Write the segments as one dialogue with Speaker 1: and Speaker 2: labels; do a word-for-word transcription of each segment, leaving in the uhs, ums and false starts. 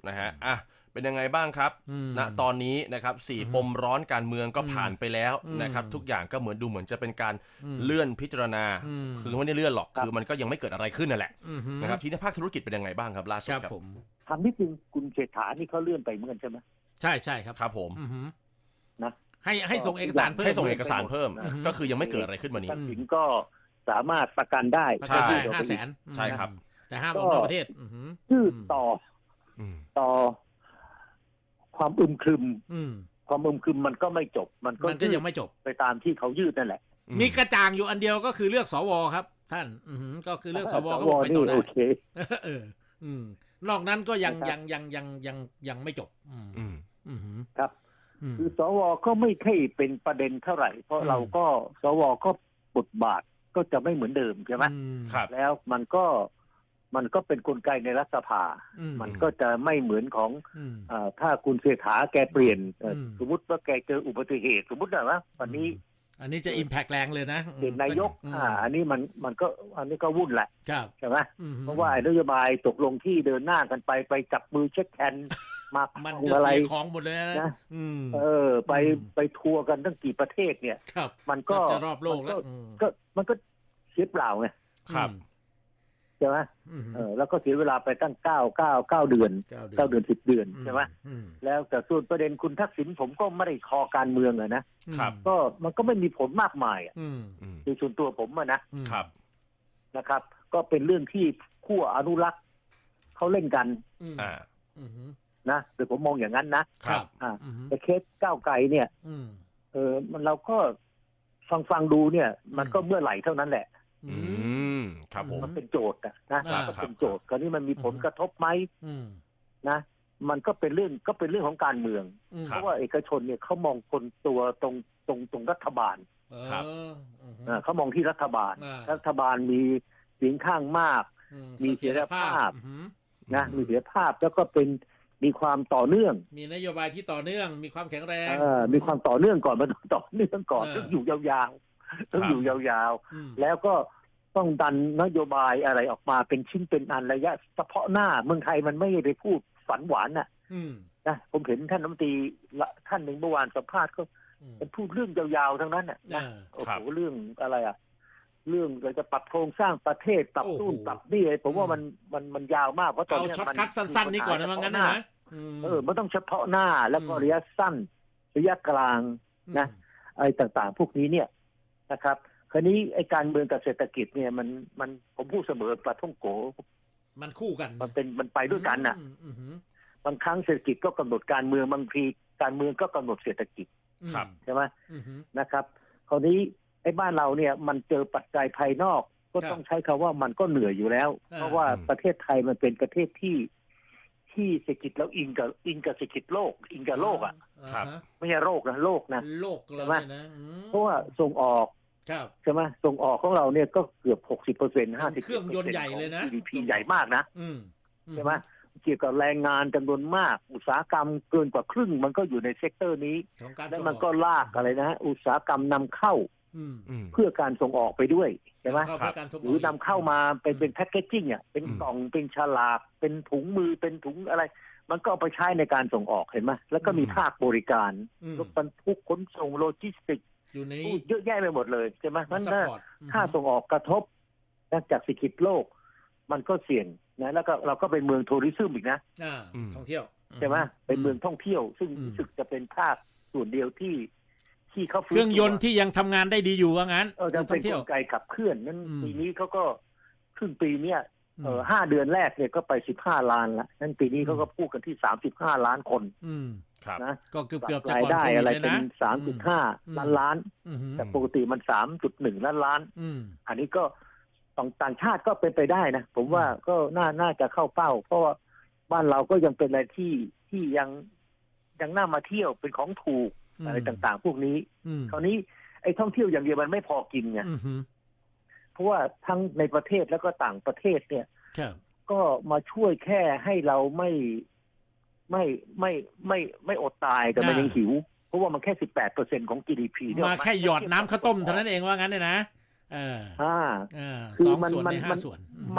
Speaker 1: นะฮะอ่ะเป็นยังไงบ้างครับณตอนนี้นะครับสี่ปมร้อนการเมืองก็ผ่านไปแล้วนะครับทุกอย่างก็เหมือนดูเหมือนจะเป็นการเลื่อนพิจารณาคือไม่ได้เลื่อนหรอกคือมันก็ยังไม่เกิดอะไรขึ้นนั่นแหละนะครับที่ในภาคธุรกิจเป็นยังไงบ้างครับล่าสุดครับผม
Speaker 2: ทำนิดนึงคุณเศรษฐานี่เขาเลื่อนไปเหมือนกันใช่ไหม
Speaker 3: ใช่ใช่ครับ
Speaker 1: ครับผม
Speaker 2: นะ
Speaker 3: ให้ให้ส่งเอกสารเพิ่ม
Speaker 1: ให้ส่งเอกสารเพิ่มก็คือยังไม่เกิดอะไรขึ้นวันนี้
Speaker 2: ทักษิณก็สามารถประกันได้
Speaker 3: ใช่ห้าแสน
Speaker 1: ใช่ครับ
Speaker 3: แต่ห้ามออกนอกประเทศ
Speaker 2: ยืดต่อต่อความอึมครึมความอึมครึมมันก็ไม่จบมันก็
Speaker 3: ยังไม่จบ
Speaker 2: ไปตามที่เขายืดนั่นแหละ
Speaker 3: มีกระจ่างอยู่อันเดียวก็คือเลือกสวครับท่านก็คือเลือกสวเขาบอกไปต่อได้เออนอกนั้นก็ยังยังยังยังยังยังไม่จบ
Speaker 2: ครับคือสวก็ไม่ใช่เป็นประเด็นเท่าไหร่เพราะเราก็สวก็บทบาทก็จะไม่เหมือนเดิมใช่ไหมแล้วมันก็มันก็เป็นกลไกในรัฐสภามันก็จะไม่เหมือนของถ้าคุณเศรษฐาแกเปลี่ยนสมมติว่าแกเจออุบัติเหตุสมมตินะวันนี้
Speaker 3: อันนี้จะอิมแพกแรงเลยนะ
Speaker 2: เป็นนายกอ่าอันนี้มันมันก็อันนี้ก็วุ่นแหละใช่ไหมเพราะว่านโยบายตกลงที่เดินหน้ากันไปไปจับมือเช็คแอนมา
Speaker 3: มันจะเสียของหมดเลยนะ
Speaker 2: เออไปไปทัวร์กันตั้งกี่ประเทศเนี่ยมันก็
Speaker 3: จะรอบโลกแล้ว
Speaker 2: ก็มันก็เสียเปล่าไง
Speaker 1: ครับ
Speaker 2: ใช่ไหมเออแล้วก็เสียเวลาไปตั้งเก้าเก้าเก้าเดือนเก้าเดือนสิบเดือนใช่ไหมแล้วแต่ส่วนประเด็นคุณทักษิณผมก็ไม่ได้คอการเมืองอะนะครับก็มันก็ไม่มีผลมากมายอ่ะในส่วนตัวผมอะนะครับนะครับก็เป็นเรื่องที่ขั้วอนุรักษ์เขาเล่นกัน
Speaker 1: อ่า
Speaker 2: นะโดยผมมองอย่างนั้นนะครับอ่าแต่เคสก้าวไกลเนี่ยเออมันเราก็ฟังฟังดูเนี่ยมันก็เมื่อไหร่เท่านั้นแหละ
Speaker 1: อืมครับผม
Speaker 2: มันเป็นโจทย์นะนะมันเป็นโจทย์คราวนี้มันมีผลกระทบไหมนะมันก็เป็นเรื่องก็เป็นเรื่องของการเมืองเพราะว่าเอกชนเนี่ยเขามองคนตัวตรงตรงตรงรัฐบาล
Speaker 1: ครับ
Speaker 2: เขามองที่รัฐบาลรัฐบาลมีเสียงข้างมากมีเสถียรภาพนะมีเสถียรภาพแล้วก็เป็นมีความต่อเนื่อง
Speaker 3: มีนโยบายที่ต่อเนื่องมีความแข็งแรง
Speaker 2: มีความต่อเนื่องก่อนมันต่อเนื่องก่อนต้องอยู่ยาวๆต้องอยู่ยาวๆแล้วก็ต้องดันนโยบายอะไรออกมาเป็นชิ้นเป็นอันระยะเฉพาะหน้าเมืองไทยมันไม่ได้พูดฝันหวานน่ะนะผมเห็นท่านรัฐมนตรีท่านหนึ่งเมื่อวานสัมภาษณ์ก็มันพูดเรื่องยาวๆทั้งนั้นน่ะนะโอ้โหเรื่องอะไรอ่ะเรื่องเราจะปรับโครงสร้างประเทศปรับนู่นปรับนี่ผมว่ามันมันมันยาวมากเพราะตอนนี้
Speaker 3: มันช็อตคัทสั้นๆนี่ก่อนนะมั้งงั้นนะ
Speaker 2: เออมันต้องเฉพาะหน้าแล้วก็ระยะสั้นระยะกลางนะอะไรต่างๆพวกนี้เนี่ยนะครับคราวนี้ไอ้การเมืองกับเศรษฐกิจเนี่ยมันมันผมพูดเสมอปลาท่องโก
Speaker 3: มันคู่กัน
Speaker 2: มันเป็นมันไปด้วยกันน่ะบางครั้งเศรษฐกิจก็กำหนดการเมืองบางทีการเมืองก็กำหนดเศรษฐกิจใช่ไหมนะครับคราวนี้ไอ้บ้านเราเนี่ยมันเจอปัจจัยภายนอกก็ต้องใช้คำว่ามันก็เหนื่อยอยู่แล้วเพราะว่าประเทศไทยมันเป็นประเทศที่ที่เศรษฐกิจแล้วอิงกับอิงกับเศรษฐกิจโลกอิงกับโลกอ่ะไม่ใช่โรคนะโลกนะ
Speaker 3: โลกเลยนะ
Speaker 2: เพราะว่าส่งออกใช่ไหมส่งออกของเราเนี่ยก็เกือบหกสิบเปอร์เซ็นต์ห้าสิบ
Speaker 3: เครื่องยนต์ใหญ่เลยนะ
Speaker 2: จี ดี พี ใหญ่มากนะใช่ไหมเกี่ยวกับแรงงานจำนวนมากอุตสาหกรรมเกินกว่าครึ่งมันก็อยู่ในเซกเตอร์นี้แล้วมันก็ลากอะไรนะอุตสาหกรรมนำเข้าเพื่อการส่งออกไปด้วยใช่ไหมหรือนำเข้ามาเป็นเป็นแพคเกจจิ้งอ่ะเป็นกล่องเป็นฉลากเป็นถุงมือเป็นถุงอะไรมันก็เอาไปใช้ในการส่งออกเห็นไหมแล้วก็มีภาคบริการรถบรรทุกขนส่งโลจิสติก
Speaker 3: อยู่ใน
Speaker 2: เยอะแยะไปหมดเลยใช่ไหมมันถ้าถ้าส่งออกกระทบจากเศรษฐกิจโลกมันก็เสี่ยงนะแล้วก็เราก็เป็นเมืองทัวริซึมอีกนะ
Speaker 3: ท่องเที่ยว
Speaker 2: ใช่ไหมเป็นเมืองท่องเที่ยวซึ่งรู้สึกจะเป็นภาคส่วนเดียวที่ที่เขา
Speaker 3: เครื่องยนต์ที่ยังทำงานได้ดีอยู่ว่างั้น
Speaker 2: เออจะเป็นกลไกขับเคลื่อนนั้นปีนี้เขาก็ครึ่งปีเนี้ยเออห้าเดือนแรกเนี่ยก็ไปสิบห้าล้านละนั่นปีนี้เขาก็พูดกันที่สามสิบห้าล้านคนนะ
Speaker 3: ก็เกือบเกือบ
Speaker 2: จะได้อะไรเป็นสามจุดห้าล้านล้านแต่ปกติมันสามจุดหนึ่งล้านล้านอันนี้ก็ต่างชาติก็เป็นไปได้นะผมว่าก็น่าน่าจะเข้าเป้าเพราะว่าบ้านเราก็ยังเป็นอะไรที่ที่ยังยังน่ามาเที่ยวเป็นของถูกอะไรต่างๆพวกนี้คราวนี้ไอ้ท่องเที่ยวอย่างเดียวมันไม่พอกินไงเพราะว่าทั้งในประเทศแล้วก็ต่างประเทศเนี่ยก็มาช่วยแค่ให้เราไม่ไม่ไม่ไม่ไม่อดตายแต่มันยังหิวเพราะว่ามันแค่สิบแปดเปอร์เซ็นต์ของ จี ดี พี
Speaker 3: มาแค่หยอดน้ำข้าวต้มเท่านั้นเองว่างั้นเลยนะเออ
Speaker 2: อ่า
Speaker 3: คือมันมันมัน
Speaker 2: มัน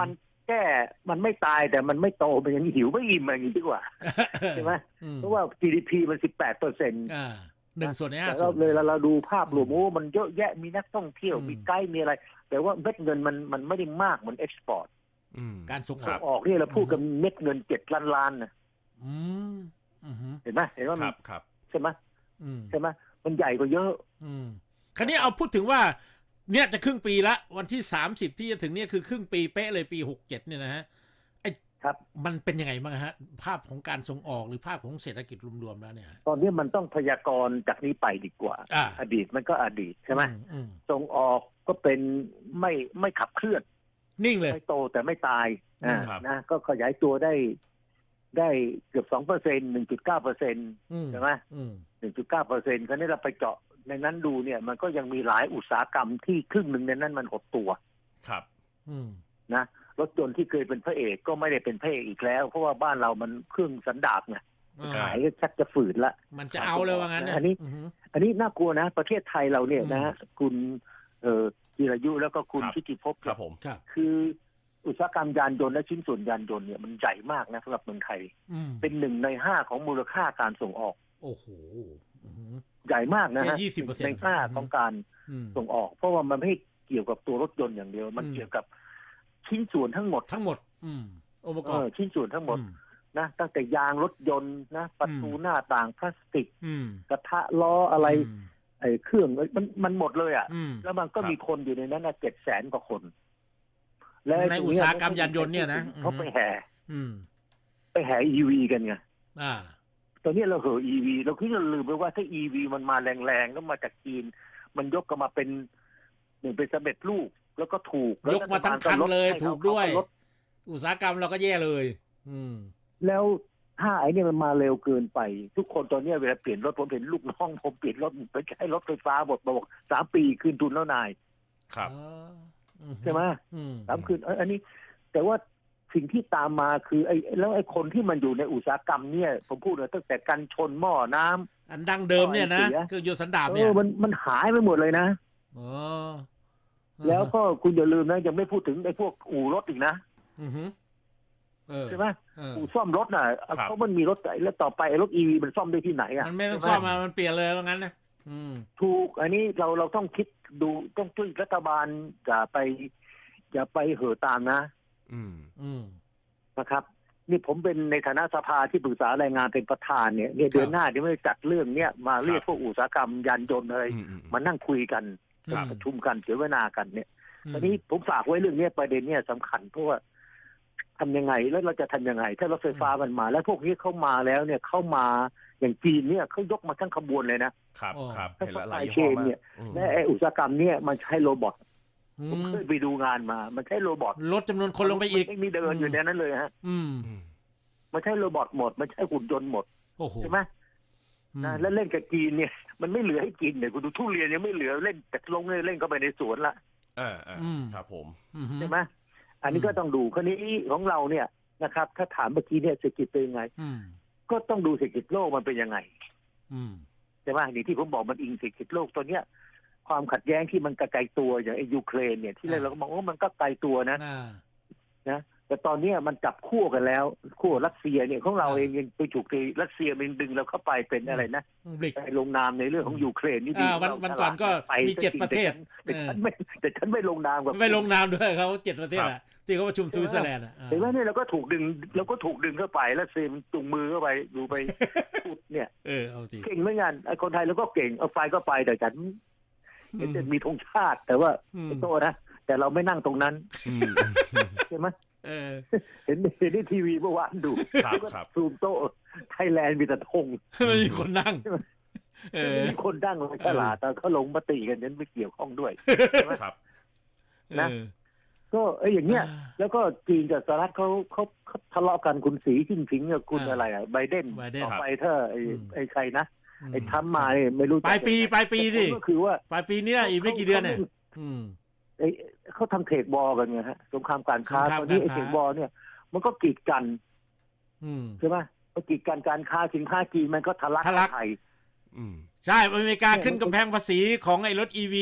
Speaker 2: แก้มันไม่ตายแต่มันไม่โตมันยังหิวไม่อิ่มอย่างนี้ดีกว่าใช่ไหมเพราะว่า จี ดี พี มันสิบแปดเปอร์เซ็นต์
Speaker 3: อ่าหนึ่งส่วนในห้า
Speaker 2: แต่
Speaker 3: ส่
Speaker 2: เรา
Speaker 3: วน
Speaker 2: เลยเราดูภาพรวมโอ้มันเยอะแยะมีนักท่องเที่ยวมีไกด์มีอะไร แต่ว่าเม็ดเงินมันมันไม่ได้มากเหมือนเอ็กซ์พอร์ต
Speaker 3: การส่งอ
Speaker 2: ส่
Speaker 3: อง ก
Speaker 2: ออกเนี่ยเราพูดกันเม็ดเงินเจ็ดล้านล้านนะ
Speaker 3: อืมอืม
Speaker 2: เห็นไหมเห็นว่า
Speaker 1: ค
Speaker 2: มัน
Speaker 1: รับครับ
Speaker 2: ใช่ไหม
Speaker 3: อืม
Speaker 2: ใช่ไหมมันใหญ่กว่าเยอะ
Speaker 3: อืมคราวนี้เอาพูดถึงว่าเนี่ยจะครึ่งปีละวันที่สามสิบที่จะถึงเนี่ยคือครึ่งปีเป๊ะเลยปีหกเจ็ดเนี่ยนะฮะไอ้
Speaker 2: ครับ
Speaker 3: มันเป็นยังไงบ้างฮะภาพของการส่งออกหรือภาพของเศรษฐกิจรวมๆแล้วเนี่ย
Speaker 2: ตอนนี้มันต้องพยากรณ์จากนี้ไปดีกว่า
Speaker 3: อ่า
Speaker 2: อดีตมันก็อดีตใช่ไหม
Speaker 3: อือืม
Speaker 2: ส่งออกก็เป็นไม่ไม่ขับเคลื่อน
Speaker 3: นิ่งเลย
Speaker 2: ไม่โตแต่ไม่ตาย
Speaker 3: อืม
Speaker 2: อ่านะก็ขยายตัวได้ได้เกือบสองเปอร์เซ็นต์หนึ่งจุดเก้าเปอร์เซ็นต์
Speaker 3: อืม
Speaker 2: ใช่ไหม
Speaker 3: อืม
Speaker 2: หนึ่งจุดเก้าเปอร์เซ็นต์คราวนี้เราไปเจาะในนั้นดูเนี่ย มันก็ยังมีหลายอุตสาหกรรมที่ครึ่งหนึ่งในนั้นมันหดตัว
Speaker 1: ครับ
Speaker 3: อืม
Speaker 2: นะรถยนต์ที่เคยเป็นพระเอกก็ไม่ได้เป็นพระเอกอีกแล้ว เพราะว่าบ้านเรามันเครื่องสันดาปไง
Speaker 3: อ่า
Speaker 2: ขายก็ชักจะฝืนละ
Speaker 3: มันจะเอาเลยว่างั้น
Speaker 2: อันนี้
Speaker 3: อืม
Speaker 2: อันนี้น่ากลัวนะ ประเทศไทยเราเนี่ย
Speaker 3: อืม
Speaker 2: นะฮะคุณเอ่อจิรายุแล้วก็คุณ
Speaker 1: ครับ
Speaker 2: ชิติภพ
Speaker 1: ครับผม
Speaker 3: ครับ
Speaker 2: คืออุตสาหกรรมยานยนต์และชิ้นส่วนยานยนต์เนี่ยมันใหญ่มากนะสำหรับเมืองไทย
Speaker 3: อืม
Speaker 2: เป็นหนึ่งในห้าของมูลค่าการส่งออก
Speaker 3: โอ้โหอืม
Speaker 2: ใหญ่มากนะฮะ
Speaker 3: แค่ยี่สิบเปอร์เซ็นต์
Speaker 2: ในห้าของการ
Speaker 3: อืม
Speaker 2: ส่งออก เพราะว่ามันไม่เกี่ยวกับตัวรถยนต์อย่างเดียว มัน
Speaker 3: อืม
Speaker 2: เกี่ยวกับชิ้นส่วนทั้งหมด
Speaker 3: ทั้งหมด อืมองค์ประก
Speaker 2: เอ
Speaker 3: อบ
Speaker 2: อชิ้นส่วนทั้งหมด
Speaker 3: อื
Speaker 2: นะตั้งแต่ยางรถยนต์นะประตูหน้าต่างพลาสติก
Speaker 3: อืม
Speaker 2: กระทะล้ออะไร
Speaker 3: อืม
Speaker 2: ไอ้เครื่องมันมันหมดเลยอ่ะ
Speaker 3: อืม
Speaker 2: แล้วมันก็
Speaker 1: ครับ
Speaker 2: มีคนอยู่ในนั้นนะเจ็ดแสนกว่าคน
Speaker 3: ในอุตสาหกรรมยานยนต์เนี่ยนะ
Speaker 2: เขาไปแห่
Speaker 3: อืม
Speaker 2: ไปแห่ อี วี กันไง
Speaker 3: อ่า
Speaker 2: ตอนนี้เราเหอะ อี วี เราคิดเราลืมไปว่าถ้า อี วี มันมาแรงๆแล้วมาจากจีน มันยกกันมาเป็นหนึ่งเป็นสำเร็จรูปแล้วก็ถูก
Speaker 3: ยกมาทั้งคันเลย
Speaker 2: ให้
Speaker 3: ถูกด้วย
Speaker 2: เขาลด
Speaker 3: อุตสาหกรรมเราก็แย่เลย อืม
Speaker 2: แล้วถ้าไอ้เนี่ยมันมาเร็วเกินไป ทุกคนตอนนี้เวลาเปลี่ยนรถผมเห็นลูกน้องผมเปลี่ยนรถไปใช้รถไฟฟ้าหมดมาบอกสามปีคืนทุนแล้วนาย
Speaker 1: ครับ
Speaker 3: อ๋ออื
Speaker 2: ใช่ไหม
Speaker 3: อืม
Speaker 2: สามคืนเอ้ยอันนี้ แต่ว่าสิ่งที่ตามมาคือไอ้แล้วไอ้คนที่มันอยู่ในอุตสาหกรรมเนี่ยผมพูดเลยตั้งแต่กันชนหม้อน้ำ
Speaker 3: อันดังเดิมเนี่ยนะ
Speaker 2: เสีย
Speaker 3: คือโยสันดาบ
Speaker 2: เอ
Speaker 3: เนี่ย
Speaker 2: อมันมันหายไปหมดเลยนะ
Speaker 3: อ๋อ
Speaker 2: แล้วก็คุณอย่าลืมนะยังไม่พูดถึงไอ้พวกอู่รถอีกนะ
Speaker 3: อือฮึเออ
Speaker 2: ใช่ไหม
Speaker 3: เออ
Speaker 2: อู่ซ่อมรถน่ะ
Speaker 1: ครับ
Speaker 2: เพราะมันมีรถแล้วต่อไปไอ้รถอีวีมันซ่อมได้ที่ไหนอ่ะ
Speaker 3: มันไม่ต้อง
Speaker 2: ใช่
Speaker 3: ซ่อม
Speaker 2: ห
Speaker 3: มามันเปลี่ยนเลยว่างั้นนะอืม
Speaker 2: ถูก อันนี้เราเราต้องคิดดูต้องช่วยรัฐบาลอย่าไปอย่าไปเห่อตามนะ
Speaker 1: อืม
Speaker 3: อืม
Speaker 2: นะครับ นี่ผมเป็นในฐานะสภาที่ปรึกษาแรงงานเป็นประธานเนี่ยเนี่ยเดือนหน้าเดี๋ยวไม่จัดเรื่องเนี้ยมาเรียกพวกอุตสาหกรรมยานยนต์อะไร
Speaker 1: อืมอืม
Speaker 2: มานั่งคุยกัน
Speaker 3: ครับ
Speaker 2: ประชุมกันเสวนากันเนี่ย
Speaker 3: อืม
Speaker 2: ตอนนี้ผมฝากไว้เรื่องเนี้ยประเด็นเนี้ยสำคัญเพราะว่าทำยังไงแล้วเราจะทำยังไง ถ้ารถไฟฟ้ามันมา แล้วพวกนี้เข้ามาแล้วเนี่ยเข้ามาอย่างจีนเนี่ยเขายกมาทั้งขบวนเลยนะครับ
Speaker 1: ครับ
Speaker 2: ถ้า
Speaker 1: เห็นแล้วหลาย
Speaker 2: supply
Speaker 1: ยี่ห้อ
Speaker 2: chain
Speaker 1: มา
Speaker 2: เนี่ย
Speaker 1: กอืม
Speaker 2: และไอ้อุตสาหกรรมเนี่ยมันใช้โรบอท
Speaker 3: อื
Speaker 2: ผม
Speaker 3: ม
Speaker 2: เคยไปดูงานมา มันใช้โรบอท
Speaker 3: ลดจำนวนคนลงไปอีก
Speaker 2: ไม่มีเดินอยู่ในนั้นเลยฮะ
Speaker 3: อืม
Speaker 1: อืม
Speaker 2: มันใช้โรบอทหมด มันใช้หุ่นยนต์หมด
Speaker 3: โอ้โห
Speaker 2: ใช่ไหม
Speaker 3: อืม
Speaker 2: นะแล้วเล่นกับจีนเนี่ยมันไม่เหลือให้กินเนี่ยคุณดูทุเรียนยังไม่เหลือเล่นแต่ลงเลยเล่นเข้าไปในสวนละ
Speaker 1: อ่าอ่า
Speaker 3: อืม
Speaker 1: ครับผม
Speaker 3: อืม
Speaker 2: ใช่ไหมอันนี้ก็ต้องดูคราวนี้ของเราเนี่ยนะครับ ถ้าถามเมื่อกี้เนี่ยเศรษฐกิจเป็นยังไง
Speaker 3: อืม
Speaker 2: ก็ต้องดูเศรษฐกิจโลกมันเป็นยังไง
Speaker 3: อืม
Speaker 2: ใช่ไหมนี่ที่ผมบอกมันอิงเศรษฐกิจโลกตัวเนี้ย ความขัดแย้งที่มันไกลตัวอย่างไอ้ยูเครนเนี่ยที่แรกเราก็มองว่ามันก็ไกลตัวนะ
Speaker 3: อ่า
Speaker 2: นะแต่ตอนเนี้ยมันจับคู่กันแล้วคู่รัสเซียเนี่ยของเรา
Speaker 3: อ่า
Speaker 2: เองยังไปถูกตีรัสเซียมันดึงเราเข้าไปเป็นอะไรนะ
Speaker 3: บริก
Speaker 2: ไปลงนามในเรื่องของยูเครนนี่ดี
Speaker 3: อ่าวัน
Speaker 2: เรา
Speaker 3: วันก่อนก็
Speaker 2: ไป
Speaker 3: มีเจ็ดประเทศ
Speaker 2: แต่ฉันไม่แต่ฉันไม่ลงนามกับ
Speaker 3: ไม่ลงนามด้วยเขาเจ็ดประเทศอ่ะที่เขาประชุมสวิตเซอร์แลนด์อ่ะอ่า
Speaker 2: เห็นไหมเนี่ยเราก็ถูกดึงเราก็ถูกดึงเข้าไปแล้วเซมจุงมือเข้าไปดูไป พูดเนี่ย
Speaker 3: เออเอาจริง
Speaker 2: เก่งเหมือนกันไอ้คนไทยเราก็เก่งเอาไฟก็ไปแต่ฉันเห็นจะมีธงชาติ แต่ว่า
Speaker 3: อืม
Speaker 2: ไอ้โตนะแต่เราไม่นั่งตรงนั้น
Speaker 1: อืม
Speaker 2: ใช่ไหม
Speaker 3: เออ
Speaker 2: เห็นเห็นในทีวีเมื่อวานดู
Speaker 1: ครับ
Speaker 2: แล้วก็
Speaker 1: ครับ
Speaker 2: ซูมโต๊ะไทยแลนด์มีแต่ธง
Speaker 3: ไม่มีคนนั่ง เออ
Speaker 2: มีคนดั้งเลยตลาดแต่เขาลงมติกันนั้นไม่เกี่ยวข้องด้วย
Speaker 1: ครับ
Speaker 2: นะ
Speaker 3: เออ
Speaker 2: ก็ไอ้อย่างเงี้ย
Speaker 3: อ่า
Speaker 2: แล้วก็จีนกับสหรัฐเขาเขาเขาทะเลาะกันคุณสีจิ้นผิงกับคุณ
Speaker 3: อ่า
Speaker 2: อะไรอ่ะไบเดน
Speaker 3: ไบเดน
Speaker 2: ต่อไปถ้าไอ้
Speaker 3: อืม
Speaker 2: ไอ้ใครนะ
Speaker 3: อืม
Speaker 2: ไอ้ทรัมป์มาเนี่ยไม่รู้จะ
Speaker 3: ปลายปีปลายปีดิ
Speaker 2: ก็คือว่า
Speaker 3: ปลายปีเนี้ยอีกไม่กี่เดือนเนี่ยอืม
Speaker 2: ไอ้เขาทำเทรดบอลกันไงฮะสงครามการค้า
Speaker 3: สงคราม
Speaker 2: ตอนนี้
Speaker 3: การ
Speaker 2: ไอ้
Speaker 3: ค้า
Speaker 2: เทรดบอลเนี่ย มันก็กีดกัน
Speaker 3: อืม
Speaker 2: ใช่ไหมมันกีดกันการค้าสินค้าจีนมันก็ทะลัก
Speaker 3: ทะลัก
Speaker 2: เข้าไทย
Speaker 1: อืม
Speaker 3: ใช่อเมริกาขึ้นกำแพงภาษีของไอ้รถอีวี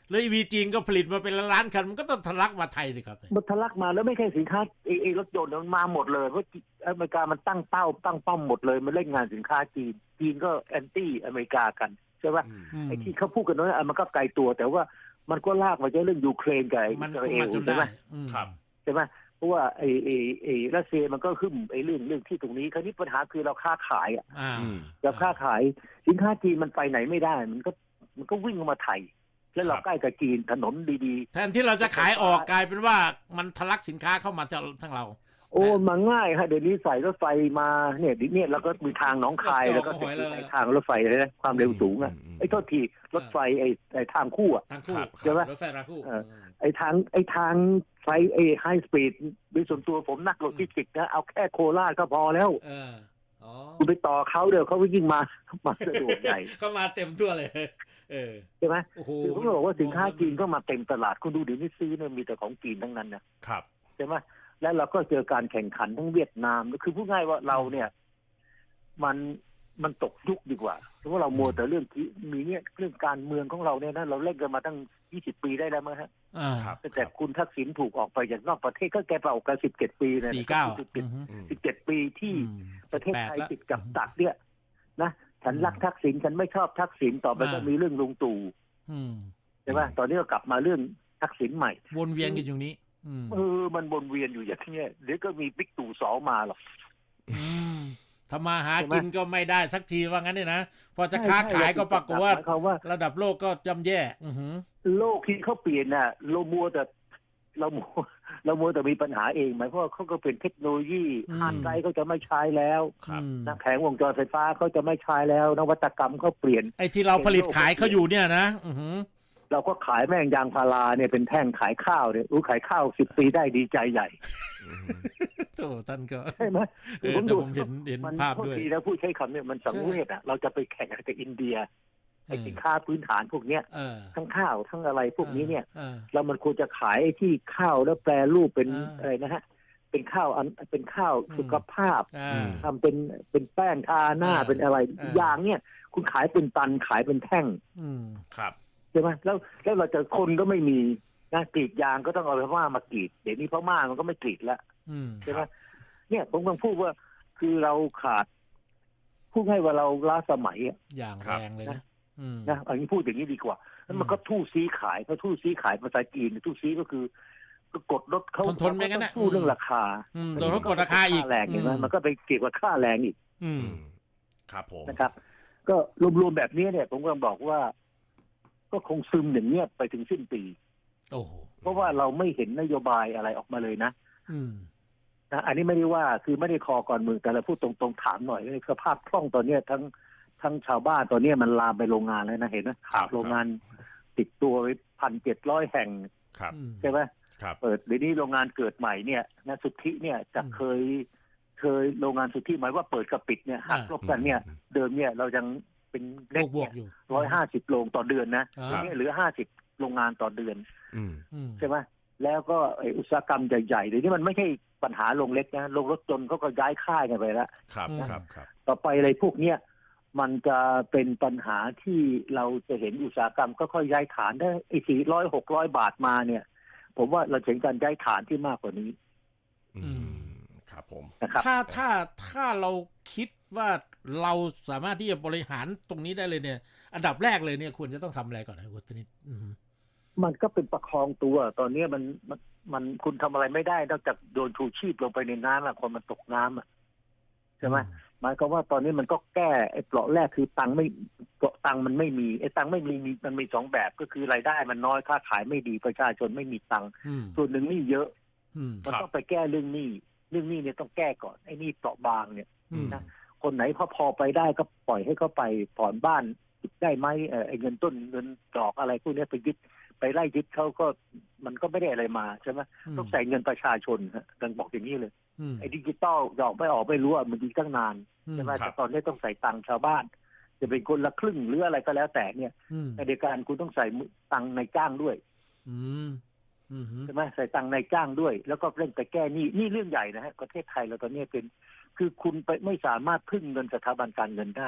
Speaker 3: แล้วอีวีจีนก็ผลิตมาเป็นล้านคันมันก็ต้องทะลักมาไทยสิครับ
Speaker 2: มันทะลักมาแล้วไม่ใช่สินค้าไอ้ไอ้รถยนต์มันมาหมดเลยเพราะอเมริกามันตั้งเป้าตั้งเป้าหมดเลยมันเล่นงานสินค้าจีนจีนก็แอนตี้อเมริกากันใช่ไหมไอ้ที่เขาพูดกันนั้นมันก็ไกลตัวแต่ว่ามันก็ลากมาจากเรื่องยูเครนกับอิ
Speaker 3: มัน
Speaker 2: สราเอ
Speaker 3: มา
Speaker 2: ล
Speaker 3: จน
Speaker 2: ใช่ไหม
Speaker 3: ได้อืม
Speaker 1: ครับ
Speaker 2: ใช่ไหมเพราะว่าไอ้ไอ้ไอ้รัสเซียมันก็ขึ้นไอ้เรื่องเรื่องที่ตรงนี้คราวนี้ปัญหาคือเราค้าขายอ่ะ
Speaker 3: อ่า
Speaker 1: อืม
Speaker 2: เราค้าขายสินค้าจีนมันไปไหนไม่ได้ มันก็มันก็วิ่งเข้ามาไทยแล้วเรา
Speaker 1: ครับ
Speaker 2: ใกล้กับจีนถนนดี
Speaker 3: แทนที่เราจะขายออกกลายเป็นว่ามันทะลักสินค้าเข้ามาทั้งเรา
Speaker 2: ๆ โอ้มาง่ายฮะเดี๋ยวนี้ใส่รถไฟมาเนี่ยดิเนี่ยแล้วก็มีทางหนองคาย
Speaker 3: ก็จอด
Speaker 2: แล้วก็
Speaker 3: เอาไว้แล้ว
Speaker 2: ไอ้ทางรถไฟเลยนะความเร็วสูงอ่ะ
Speaker 1: อืม
Speaker 2: ไอ้โทษทีรถไฟไอ้ไอ้ทางคู่อ่ะ
Speaker 3: ทางคู่
Speaker 1: ครับ
Speaker 2: ใช่ไหม
Speaker 3: รถไฟทางคู่
Speaker 2: เออ ไอ้ทางไอ้ทางไฟไอ้ไฮสปีดโดยส่วนตัวผมนักโลจิสติกส์นะเอาแค่โคราชก็พอแล้ว
Speaker 3: เอออ๋อ
Speaker 2: คุณไปต่อเขาเดี๋ยวเขาก็ยิ่งมามาสะดวกใหญ่
Speaker 3: เข้ามาเต็มทั่วเลย เออ
Speaker 2: ใช่ไหม
Speaker 3: โอ้โห
Speaker 2: คือผมบอกว่าสินค้าจีนก็มาเต็มตลาดคุณดูเดี๋ยวนี้ซื้อเนี่ยมีแต่ของจีนทั้งนั้นนะครับ ใช่ไหมแล้วเราก็เจอการแข่งขันทั้งเวียดนามคือพูดง่ายว่าเราเนี่ย มันมันตกยุคดีกว่าเพราะว่าเรามัวแต่เรื่องที่มีเนี่ยเรื่องการเมืองของเราเนี่ยนะเราเล่นกันมาตั้งยี่สิบปีได้แล้วมั้งฮะ
Speaker 3: อ่า
Speaker 1: ครับ
Speaker 2: ตั้งแต่คุณทักษิณถูกออกไปจากนอกประเทศก็แกไปออกกันสิบเจ็ดปีเนี่ย
Speaker 3: สี่เก้า
Speaker 2: สิบเจ็ด
Speaker 3: อืม
Speaker 1: อืม
Speaker 2: สิบเจ็ดปีที่
Speaker 3: อืม
Speaker 2: ประเทศไทย
Speaker 3: แปดละ
Speaker 2: ติดกับดักเนี่ยนะฉันรักทักษิณฉันไม่ชอบทักษิณต่อไป
Speaker 3: อ่า
Speaker 2: ก็มีเรื่องลุงตู่
Speaker 3: อืม
Speaker 2: ใช่ไหมตอนนี้ก็กลับมาเรื่องทักษิณใหม่
Speaker 3: วนเวียนกันอยู่นี้ อืม
Speaker 2: เออมันวนเวียนอยู่อย่างนี้เดี๋ยวก็มีบิ๊กตู่สองมาหรอก
Speaker 3: อืมทำมาหา
Speaker 2: ใช่ไหม
Speaker 3: กินก็ไม่ได้สักทีว่างั้นเนี่ยนะพอจะ
Speaker 2: ใช่
Speaker 3: ค้า
Speaker 2: ใช่
Speaker 3: ขายก็ปรากฏว่า
Speaker 2: หมายความว่า
Speaker 3: ระดับโลกก็ย่ำแย่ อือหือ
Speaker 2: โลกที่เขาเปลี่ยนน่ะเรามัวแต่เรามัวเรามัวแต่มีปัญหาเองหมายความว่าเขาก็เป็นเทคโนโลยี
Speaker 3: อืม
Speaker 2: ฮาร์ดไดรฟ์เขาจะไม่ใช้แล้ว
Speaker 1: ครับ
Speaker 3: อืม
Speaker 2: นะแผงวงจรไฟฟ้าเขาจะไม่ใช้แล้ว นวัตกรรมเขาเปลี่ยน
Speaker 3: ไอ้ที่เราผลิตขายเขาอยู่เนี่ยนะ อือหือ
Speaker 2: เราก็ขายแม่งยางพาราเนี่ยเป็นแท่งขายข้าวเนี่ยอู้ขายข้าวสิบปีได้ดีใจใหญ่
Speaker 3: โธ่ท่านก็
Speaker 2: ใช่ไหม
Speaker 3: เออแต่ผมเห็นเห็น
Speaker 2: มัน
Speaker 3: ภาพ
Speaker 2: โทษ
Speaker 3: ด้วย
Speaker 2: ทีนะพูดใช้คำเนี่ยมันสังเวชอ่ะเราจะไปแข่งกับอินเดียไอ้สินค้าพื้นฐานพวกเนี้ย
Speaker 3: เออ
Speaker 2: ทั้งข้าวทั้งอะไรพวกนี้เนี่ย
Speaker 3: ออ
Speaker 2: เรามันควรจะขายไอ้ที่ข้าวแล้วแปรรูปเป็น
Speaker 3: อ่า
Speaker 2: อะไรนะฮะ เป็นข้าวอันเป็นข้าว
Speaker 3: อืม
Speaker 2: สุขภาพ
Speaker 3: อ่า
Speaker 1: อืม
Speaker 2: ทำเป็นเป็นแป้งทาหน้า
Speaker 3: อ่า
Speaker 2: เป็นอะไร
Speaker 3: อ่า
Speaker 2: อย่างเนี่ย คุณขายเป็นตันขายเป็นแท่ง
Speaker 3: อืม
Speaker 1: ครับ
Speaker 2: ใช่ไหมแล้วแล้วเราจะคนก็ไม่มีนะกรีดยางก็ต้องเอาพม่ามากรีดเดี๋ยวนี้พม่ามันก็ไม่กรีดแล้ว
Speaker 3: อืม
Speaker 2: ใช่ไหมเนี่ยผมกำลังพูดว่าคือเราขาดพูดให้ว่าเราล้าสมัยอะ
Speaker 3: อย่าง
Speaker 1: ครั
Speaker 3: แร
Speaker 1: บ
Speaker 3: งเลยนะอืม
Speaker 2: นะอันนี้พูดอย่างนี้ดีกว่าแล้วมันก็ทู่ซีขายเพราะทู่ซีขายภาษาจีนทู่ซีก็คือก็กดลดเขา
Speaker 3: ทนๆไม่งั้นน่ะ
Speaker 2: เขาสู้เรื่องราคา
Speaker 3: อืมโดนเขากดราคาอีก
Speaker 2: แรงเห็นไหมมันก็ไปเกี่ยวกับค่าแรงอีก
Speaker 3: อืม
Speaker 1: อืมครับผม
Speaker 2: นะครับ ก็รวมๆแบบนี้เนี่ย ผมก็บอกว่า ก็คงซึมอย่างเงี้ยไปถึงสิ้นปี
Speaker 3: โอ้โห
Speaker 2: เพราะว่าเราไม่เห็นนโยบายอะไรออกมาเลยนะ
Speaker 3: อืม
Speaker 2: นะอันนี้ไม่ได้ว่าคือไม่ได้คอก่อนเมืองแต่เราพูดตรงๆถามหน่อยในสภาพคล่องตอนเนี้ยทั้งทั้งชาวบ้านตอนเนี้ยมันลามไปโรงงานแล้วนะเห็นไหม
Speaker 1: ครับ
Speaker 2: โรงงานติดตัวไปพันเจ็ดร้อยแห่ง
Speaker 1: ครับ
Speaker 3: อืม
Speaker 2: ใช่ไหม
Speaker 1: ครับ
Speaker 2: เปิดเดี๋ยวนี้โรงงานเกิดใหม่เนี่ยนะสุทธิเนี่ยจะ
Speaker 3: อืม
Speaker 2: เคย เคยโรงงานสุทธิหมายว่าเปิดกับปิดเนี่ยหัก
Speaker 3: อ่า
Speaker 2: ลบกันเนี่ย เดิมเนี่ยเรายังเป็น
Speaker 3: บ
Speaker 2: เล็
Speaker 3: ว
Speaker 2: ก
Speaker 3: กบว
Speaker 2: เนี่
Speaker 3: ก
Speaker 2: ย
Speaker 3: อยู่
Speaker 2: ร้อยห้าสิบโรงต่อเดือนนะ
Speaker 3: อ่า
Speaker 2: ทีนี้เหลือห้าสิบโรงงานต่อเดือน
Speaker 1: อืม
Speaker 3: อืม
Speaker 2: ใช่ไหมแล้วก็ไอ้อุตสาหกรรมใหญ่ๆเดี๋ยวนี้มันไม่ใช่ปัญหาโรงเล็กนะโรงรถยนต์เขาก็ย้ายค่ายกันไปแล้ว
Speaker 1: ครับ
Speaker 3: อืม
Speaker 1: ครับครับ
Speaker 2: ต่อไปอะไรพวกเนี้ยมันจะเป็นปัญหาที่เราจะเห็นอุตสาหกรรมก็ค่อยย้ายฐานได้ไอ้สี่ร้อยหกร้อยบาทมาเนี่ย ผมว่าเราเห็นการย้ายฐานที่มากกว่านี้
Speaker 1: อืมครับผม
Speaker 2: นะครับ
Speaker 3: ถ้าถ้าถ้าเราคิดว่าเราสามารถที่จะบริหารตรงนี้ได้เลยเนี่ย อันดับแรกเลยเนี่ยควรจะต้องทำอะไรก่อนนะคุณธนิตอืม
Speaker 2: มันก็เป็นประคองตัว ตอนนี้มันมันมันคุณทำอะไรไม่ได้นอกจากโดนชูชีพลงไปในน้ำอะคนมันตกน้ำอะใช่ไหมหมายความว่าตอนนี้มันก็แก้ไอ้เปราะแรกคือตังค์ไม่เปราะตังค์มันไม่มีไอ้ตังค์ไม่มีมีมันมีสองแบบก็คือรายได้มันน้อยค่าขายไม่ดีประชาชนไม่มีตังค์
Speaker 3: อืม
Speaker 2: ส่วนหนึ่งหนี่เยอะ
Speaker 3: อืม
Speaker 2: มัน
Speaker 1: ครับ
Speaker 2: ต้องไปแก้เรื่องหนี้เรื่องหนี้เนี่ยต้องแก้ก่อนไอ้หนี้เปราะบางเนี่ย
Speaker 3: อืม
Speaker 2: นะ คนไหนพอพอไปได้ก็ปล่อยให้เขาไปผ่อนบ้านได้ไหมเออไอ้เงินต้นเงินดอกอะไรพวกนี้ไปยึดไปไล่ยึดเขาก็มันก็ไม่ได้อะไรมาใช่ไหมต้องใส่เงินประชาชนฮะดังบอกอย่างนี้เลย
Speaker 3: อืม
Speaker 2: ไอ้ดิจิตอลดอกไม่ออกไม่รู้อ่ะมันดีตั้งนาน
Speaker 3: อืม
Speaker 2: ใช่ไหม
Speaker 1: ครับ
Speaker 2: แต่ตอนนี้ต้องใส่ตังค์ชาวบ้าน จะเป็นคนละครึ่งหรืออะไรก็แล้วแต่เนี่ย
Speaker 3: อืม
Speaker 2: ในเดียวกันคุณต้องใส่ตังค์ในจ้างด้วย
Speaker 3: อืมอืม
Speaker 2: ใช่ไหมใส่ตังค์ในจ้างด้วย แล้วก็เร่งไปแก้หนี้นี่เรื่องใหญ่นะฮะประเทศไทยเราตอนนี้เป็น คือคุณไปไม่สามารถพึ่งเงินสถาบันการเงินได้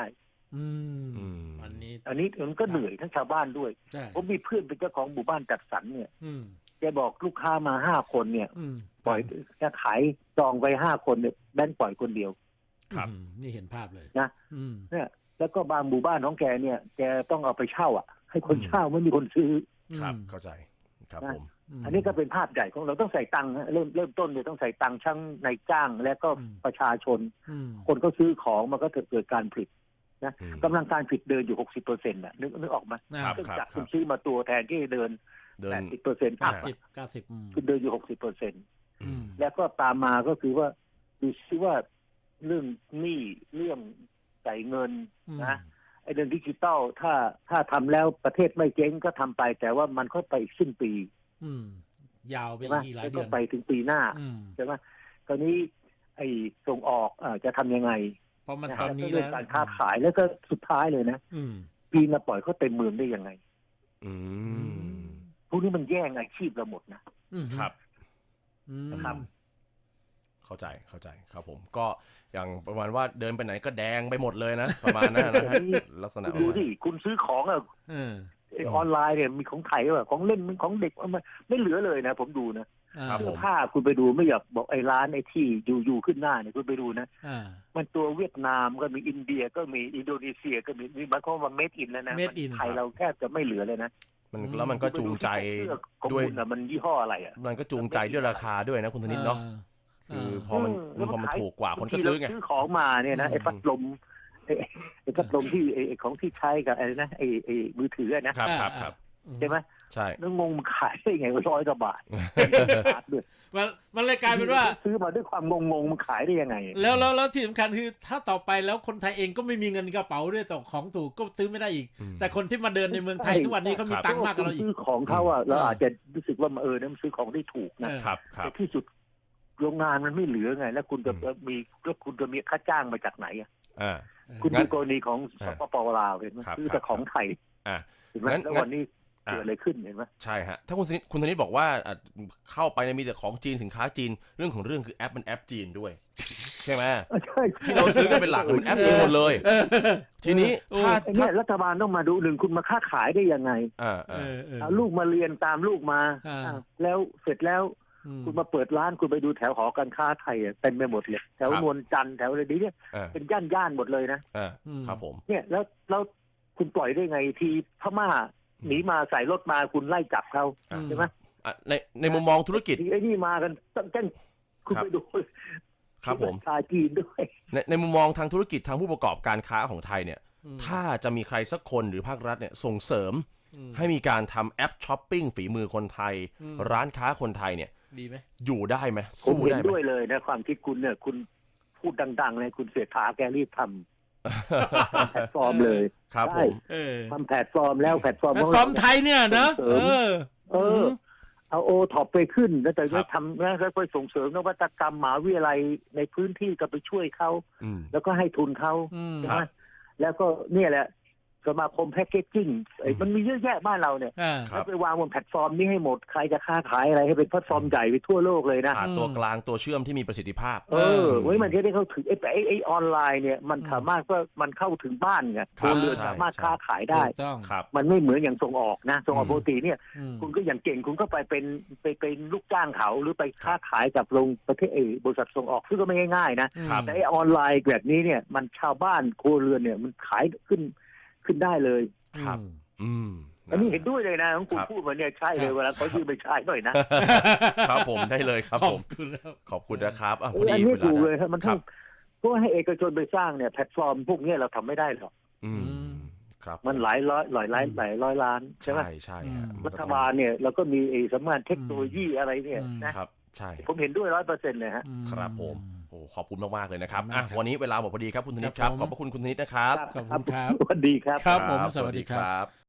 Speaker 3: อืม
Speaker 1: อืม
Speaker 3: อันนี้
Speaker 2: อันนี้มันก็เหนื่อยทั้งชาวบ้านด้วย
Speaker 3: ใช่
Speaker 2: ผมมีเพื่อนเป็นเจ้าของหมู่บ้านจัดสรรเนี่ย
Speaker 3: อืม
Speaker 2: แกบอกลูกค้ามาห้าคนเนี่ย
Speaker 3: อืม
Speaker 2: ปล่อยจะขายจองไปห้าคนเนี่ยแบงค์ปล่อยคนเดียว
Speaker 1: ครับ
Speaker 3: อืมนี่เห็นภาพเลย
Speaker 2: นะ
Speaker 3: อืม
Speaker 2: เนี่ยแล้วก็บางหมู่บ้านของแกเนี่ย แกต้องเอาไปเช่าอ่ะ ให้คนเช่าไม่มีคนซื้อ
Speaker 1: ครับเข้าใจครับ
Speaker 2: นะ
Speaker 1: ผม
Speaker 3: ม
Speaker 2: อันนี้ก็เป็นภาพใหญ่ของเราต้องใส่ตังค์ฮะเริ่มเริ่มต้นเนี่ยต้องใส่ตังค์ช่างในจ้างและก็
Speaker 3: อืม
Speaker 2: ประชาชน
Speaker 3: อืม
Speaker 2: คนก็ซื้อของมันก็เกิดการผลิตนะ
Speaker 1: อืม
Speaker 2: กำลังการผลิตเดินอยู่หกสิบเปอร์เซ็นต์น่ะนึกนึกออกไหม
Speaker 1: ครับ
Speaker 2: เครื่อง
Speaker 1: ครับ
Speaker 2: จักร
Speaker 1: ค
Speaker 2: คุ
Speaker 1: รั
Speaker 2: ณ
Speaker 1: บ
Speaker 2: ซื้อมาตัวแทนที่เดิน
Speaker 1: เดิน
Speaker 2: แปดสิบเปอร์เซ็นต์อัพ
Speaker 3: เก้าสิบเก้าสิบอืม
Speaker 2: คุณเดินอยู่หกสิบเปอร์เซ็นต์
Speaker 3: อืม
Speaker 2: แล้วก็ตามมาก็คือว่าดูซิว่าเรื่องหนี้เรื่องจ่ายเงินนะไอ้เรื่องดิจิตอลถ้าถ้าทำแล้วประเทศไม่เจ๊งก็ทำไป แต่ว่ามันก็ไปอีกสิ้นปี
Speaker 3: อืมยาวไป
Speaker 2: ใช่ไหม
Speaker 3: อีกหลาย
Speaker 2: แล้ว
Speaker 3: เดื
Speaker 2: ก็
Speaker 3: อน
Speaker 2: ไปถึงปีหน้า
Speaker 3: อืม
Speaker 2: ใช่ไหมตอนนี้ไอ้ส่งออกเอ่อจะทำยังไง
Speaker 3: เพราะมัน
Speaker 2: นะ
Speaker 3: ตอนนี้
Speaker 2: เรื่
Speaker 3: แล้
Speaker 2: อง
Speaker 3: ว
Speaker 2: การค้าขายแล้วก็สุดท้ายเลยนะ
Speaker 3: อืม
Speaker 2: ปีมาปล่อยเขาเต็มเมืองได้ยังไง
Speaker 1: อืม
Speaker 2: พวกนี้มันแย่งอาชีพเราหมดนะ
Speaker 3: อืม
Speaker 1: ครับ
Speaker 3: อืม
Speaker 2: นะครับ
Speaker 1: เข้าใจเข้าใจครับผมก็อย่างประมาณว่าเดินไปไหนก็แดงไปหมดเลยนะ ประมาณนั้นนะฮะลักษณะ
Speaker 2: คุณดูดิคุณซื้อของอะ
Speaker 3: เออ
Speaker 2: ไอ้ออนไลน์เนี่ยมีของไทยว่ะของเล่นมันของเด็กมันไม่เหลือเลยนะ ผมดูนะ
Speaker 3: อ่า
Speaker 1: ครับ
Speaker 2: เสื้
Speaker 1: ผ
Speaker 2: อ
Speaker 1: ม
Speaker 2: ผ้าคุณไปดูไม่อยากบอกไอ้ร้านไอ้ที่อยู่อยู่ขึ้นหน้าเนี่ยคุณไปดูนะ
Speaker 3: อ่า
Speaker 2: มันตัวเวียดนามก็มีอินเดียก็มีอินโดนีเซียก็มีมีบางคนว่าเมดอินแล้วนะ
Speaker 3: Made in
Speaker 2: ไทยเราแทบจะไม่เหลือเลยนะ
Speaker 1: มันแล้วมันก็จูงใจ
Speaker 2: เสื้อของ
Speaker 1: ด้วย
Speaker 2: คุณอะมันยี่ห้ออะไรอ่ะ
Speaker 1: มันก็จูงใจด้วยราคาด้วยนะคุณธนิตเนาะ คือพอมัน
Speaker 2: เออ
Speaker 1: พอมัน
Speaker 2: แล้วมันขาย
Speaker 1: ถูกกว่าคนก็ซื้อไง
Speaker 2: บางทีเราซื้อของมาเนี่ยนะไอ้พัดลมไอ้ไอ้พัดลมที่ไอ้ไอ้ของที่ใช้กับไอ้นะไอ้ไอ้มือถืออะนะครับ
Speaker 1: ครับครับ
Speaker 2: ใช่ไหม
Speaker 1: ใช่
Speaker 2: แล้วงงมันขายได้ไงร้อยกว่าบาทบาทด้วย
Speaker 3: มันมันเลยกลายเป็นว่า
Speaker 2: ซื้อมาด้วยความงงงๆมันขายได้ยังไง
Speaker 3: แล้วแล้วแล้วที่สำคัญคือถ้าต่อไปแล้วคนไทยเองก็ไม่มีเงินกระเป๋าด้วยต่อของถูกก็ซื้อไม่ได้อีก
Speaker 1: อืม
Speaker 3: แต่คนที่มาเดินในเมืองไทย
Speaker 2: ใช่
Speaker 3: ทุกวันนี้เขามีตังค์มากกว่าเราอีก
Speaker 2: ซื้อของเขาอ่ะเราอาจจะรู้สึกว่าเออเนี่ยมันซื้อของได้ถูกนะ
Speaker 3: เออ
Speaker 1: ครับครับ
Speaker 2: แต่ที่สุดโรงงานมันไม่เหลือไง แล้วคุณจะมีแล้วคุณจะมีค่าจ้างมาจากไหนอ่ะ
Speaker 1: อ่า
Speaker 2: คุณ
Speaker 1: งั้
Speaker 2: ดู
Speaker 1: น
Speaker 2: กรณีของส
Speaker 1: อ่า
Speaker 2: ปปลาวเห็นไหม
Speaker 1: ครับ
Speaker 2: ซื้อแต่
Speaker 1: ครับ
Speaker 2: ของไทย
Speaker 1: อ่า
Speaker 2: เห็นไหม
Speaker 1: งั้น
Speaker 2: แล้ววันนี้
Speaker 1: อ่า
Speaker 2: เกิดอะไรขึ้นเห็นไหม
Speaker 1: ใช่ฮะถ้าคุณธนิตคุณธนิตบอกว่าอ่ะเข้าไปเนี่ยมีแต่ของจีนสินค้าจีนเรื่องของเรื่องคือแอปมันแอปจีนด้วย ใช่ไหม
Speaker 2: ใช่
Speaker 1: ที่เราซื้อกันเป็นหลักมันแอปจีนหมดเลย ทีนี้ถ้า
Speaker 2: ไอ้
Speaker 1: ถ้า
Speaker 2: เนี่ยรัฐบาลต้องมาดูหนึ่งคุณมาค้าขายได้ยังไง
Speaker 1: อ่า
Speaker 3: เอ
Speaker 1: อ่า
Speaker 3: อเออ
Speaker 2: เอาลูกมาเรียนตามลูกมา
Speaker 3: อ่า
Speaker 2: อ่าแล้วเสร็จแล้ว
Speaker 3: อืม
Speaker 2: คุณมาเปิดร้านคุณไปดูแถวหอการค้าไทยอะเต็มไปหมดเลยแถวนวลจันทร์แถวอะไรดีเนี่ย
Speaker 1: อ่า
Speaker 2: เป็นย่านย่านๆหมดเลยนะ
Speaker 1: อ่าครับผม
Speaker 2: เนี่ยแล้วแล้วคุณปล่อยได้ไงทีพม่าหนีมาใส่รถมาคุณไล่จับเขา
Speaker 1: อ่า
Speaker 2: ใช่ไหม
Speaker 1: อ่ะในในมุมมองธุรกิจ
Speaker 2: ทีไอ้นี่มากันตั้งแต่คุณ
Speaker 1: ครับ
Speaker 2: ไปดู
Speaker 1: ครับผม
Speaker 2: ชาจีนด้วย
Speaker 1: ในในมุมมองทางธุรกิจทางผู้ประกอบการค้าของไทยเนี่ย
Speaker 3: อืม
Speaker 1: ถ้าจะมีใครสักคนหรือภาครัฐเนี่ยส่งเสริม
Speaker 3: อืม
Speaker 1: ให้มีการทำแอปช้อปปิ้งฝีมือคนไทย
Speaker 3: อืม
Speaker 1: ร้านค้าคนไทยเนี่ย
Speaker 3: ดีไหม
Speaker 1: อยู่ได้ไหม
Speaker 2: ผม
Speaker 1: สู้
Speaker 2: เห็น
Speaker 1: ได้ไหม
Speaker 2: ด้วยเลยนะความคิดคุณเนี่ย คุณพูดดังๆเลยคุณเสียขาแกรีบทำแพลตฟอร์มเลย
Speaker 1: ครับผ
Speaker 2: ใช่
Speaker 1: ม
Speaker 3: เออ
Speaker 2: ทำแพลตฟอร์มแล้วแพลตฟอร์ม
Speaker 3: แพล
Speaker 2: ข
Speaker 3: ต
Speaker 2: อง
Speaker 3: ฟอ
Speaker 2: เรา
Speaker 3: ร์มไทยเนี่ยนะ
Speaker 2: ส่ง
Speaker 3: เอ
Speaker 2: เสริม
Speaker 3: อ
Speaker 2: เออ เอาโอท็อปไปขึ้นแล้วแต่
Speaker 1: ครั
Speaker 2: ก็
Speaker 1: บ
Speaker 2: ทำแล้วก็ส่งเสริมนวัตกรรมมหาวิทยาลัยในพื้นที่ก็ไปช่วยเขา
Speaker 1: อืม
Speaker 2: แล้วก็ให้ทุนเขา
Speaker 3: อืม
Speaker 2: ใช่
Speaker 1: ครั
Speaker 2: ไหม
Speaker 1: บ
Speaker 2: แล้วก็เนี่ยแหละสมาคมแพ็กเกจจิ้งไอ้มันมีเยอะแยะบ้านเราเนี่ย
Speaker 3: อ่า
Speaker 1: ครั
Speaker 2: แล้
Speaker 1: บ
Speaker 2: วไปวางบนแพลตฟอร์มนี้ให้หมดใครจะค้าขายอะไรให้เป็นแพลตฟอร์มใหญ่ไปทั่วโลกเลยนะ
Speaker 1: ขาดตัว
Speaker 3: อืม
Speaker 1: กลางตัวเชื่อมที่มีประสิทธิภาพ
Speaker 2: เออไว้มันจะได้เข้าถึงไอ้ไอ้ไอ้ออนไลน์เนี่ยมัน
Speaker 3: อืม
Speaker 2: สามารถว่ามันเข้าถึงบ้านไง
Speaker 1: ครั
Speaker 2: ตัว
Speaker 1: บ
Speaker 2: เรือน
Speaker 1: ใช่
Speaker 2: สามารถ
Speaker 1: ใช่
Speaker 2: ค้าขายได้
Speaker 3: ถูกต้อง
Speaker 1: ครับ
Speaker 2: มันไม่เหมือนอย่างส่งออกนะส่งออก
Speaker 1: อืม
Speaker 2: ปกติเนี่ย
Speaker 3: อืม
Speaker 2: คุณก็อย่างเก่งคุณก็ไปเป็นไปเป็นลูกจ้างเขาหรือไปค้าขายกับโรงประเทศเออบริษัทส่งออกซึ่งก็ไม่ง่ายๆนะครับ แต่ไอ้ออนไลน์แบบนี้เนี่ยมันชาวบ้านครัวเรือนเนี่ยมันขายขึ้นขึ้นได้เลย
Speaker 1: ครับ อืม
Speaker 2: อันนี้เห็นด้วยเลยนะของคุณ
Speaker 1: ครับ
Speaker 2: พูดมาเนี่ยใช่เลยเวลาเขายืมไปใช้หน่อยนะ
Speaker 1: ครับผมได้เลยครับ
Speaker 3: ขอ
Speaker 1: ผ
Speaker 3: บ
Speaker 1: ม
Speaker 3: คุณแล้ว
Speaker 1: ขอบคุณนะครับอ่ะ
Speaker 2: เอ
Speaker 1: พอ
Speaker 2: ออัน
Speaker 1: ดี
Speaker 2: นี้
Speaker 1: เวลา
Speaker 2: ถูกเลย
Speaker 1: ได้
Speaker 2: ครับมัน
Speaker 1: ค
Speaker 2: ต้
Speaker 1: รั
Speaker 2: อบ งเพราะให้เอกชนไปสร้างเนี่ยแพลตฟอร์มพวกเนี้ยเราทำไม่ได้หรอก
Speaker 1: อืม
Speaker 3: อืม
Speaker 1: ครับ
Speaker 2: มันหลายร้อยหลายล้านหลายร้อยล้านใช่ไหม
Speaker 1: ใช่ใช่ฮะ
Speaker 3: อืม
Speaker 1: มัน
Speaker 2: รั
Speaker 1: ก็
Speaker 2: ฐ
Speaker 1: ต้อง
Speaker 2: บาลเนี่ยเราก็มีไอ้สำนักงานเทคโนโลยีอะไรเนี่ย
Speaker 3: อืม
Speaker 2: นะครับ
Speaker 1: ใช่
Speaker 2: ผมเห็นด้วยร้อยเปอร์เซ็นต์เลยฮะ
Speaker 3: อื
Speaker 1: ครับผมโอ้ขอบคุณมากๆเลยนะครับ
Speaker 3: ขอบคุณ
Speaker 1: อ่ะ
Speaker 3: มากครับ
Speaker 1: วันนี้เวลาหมดพอดีครับคุณธนิตค
Speaker 3: ครั
Speaker 1: รั
Speaker 3: บบ ผม
Speaker 1: ขอบพระคุณคุณธนิตนะครับ
Speaker 3: ขอบคุณครับ
Speaker 2: สวัสดีครับ
Speaker 3: ครับผมสวัสดีครับ
Speaker 1: ครับ